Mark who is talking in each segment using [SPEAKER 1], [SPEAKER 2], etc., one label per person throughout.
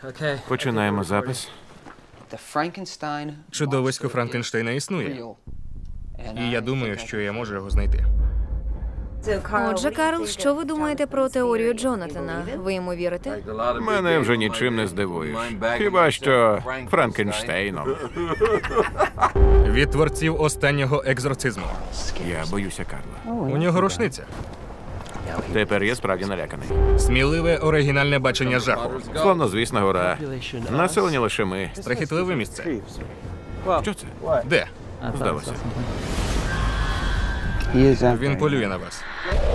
[SPEAKER 1] Починаємо запис.
[SPEAKER 2] Чудовисько Франкенштейна існує. І я думаю, що я можу його знайти.
[SPEAKER 3] Отже, Карл, що ви думаєте про теорію Джонатана? Ви йому вірите?
[SPEAKER 1] Мене вже нічим не здивуєш. Хіба що Франкенштейном.
[SPEAKER 2] Від творців останнього екзорцизму.
[SPEAKER 1] Я боюся Карла.
[SPEAKER 2] У нього рушниця.
[SPEAKER 1] Тепер я справді наляканий.
[SPEAKER 2] Сміливе оригінальне бачення жаху.
[SPEAKER 1] Славнозвісна гора. Населені лише ми.
[SPEAKER 2] Страхітливе місце.
[SPEAKER 1] Що це?
[SPEAKER 2] Де?
[SPEAKER 1] Здалося.
[SPEAKER 2] Він полює на вас.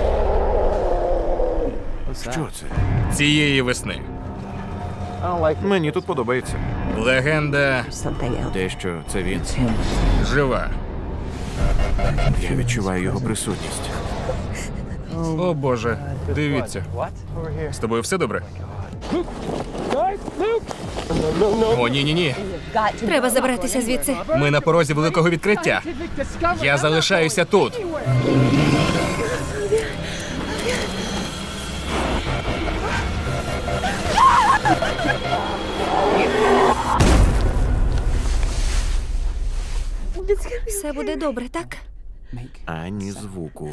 [SPEAKER 1] Що це?
[SPEAKER 2] Цієї весни.
[SPEAKER 1] Мені тут подобається.
[SPEAKER 2] Легенда
[SPEAKER 1] Те, що це він.
[SPEAKER 2] жива.
[SPEAKER 1] Я відчуваю його присутність.
[SPEAKER 2] О Боже, дивіться. З тобою все добре? О, ні-ні-ні.
[SPEAKER 3] Треба забратися звідси.
[SPEAKER 2] Ми на порозі великого відкриття. Я залишаюся тут.
[SPEAKER 3] Все буде добре, так?
[SPEAKER 1] Ані звуку.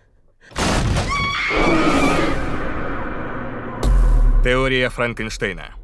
[SPEAKER 2] Теорія Франкенштейна.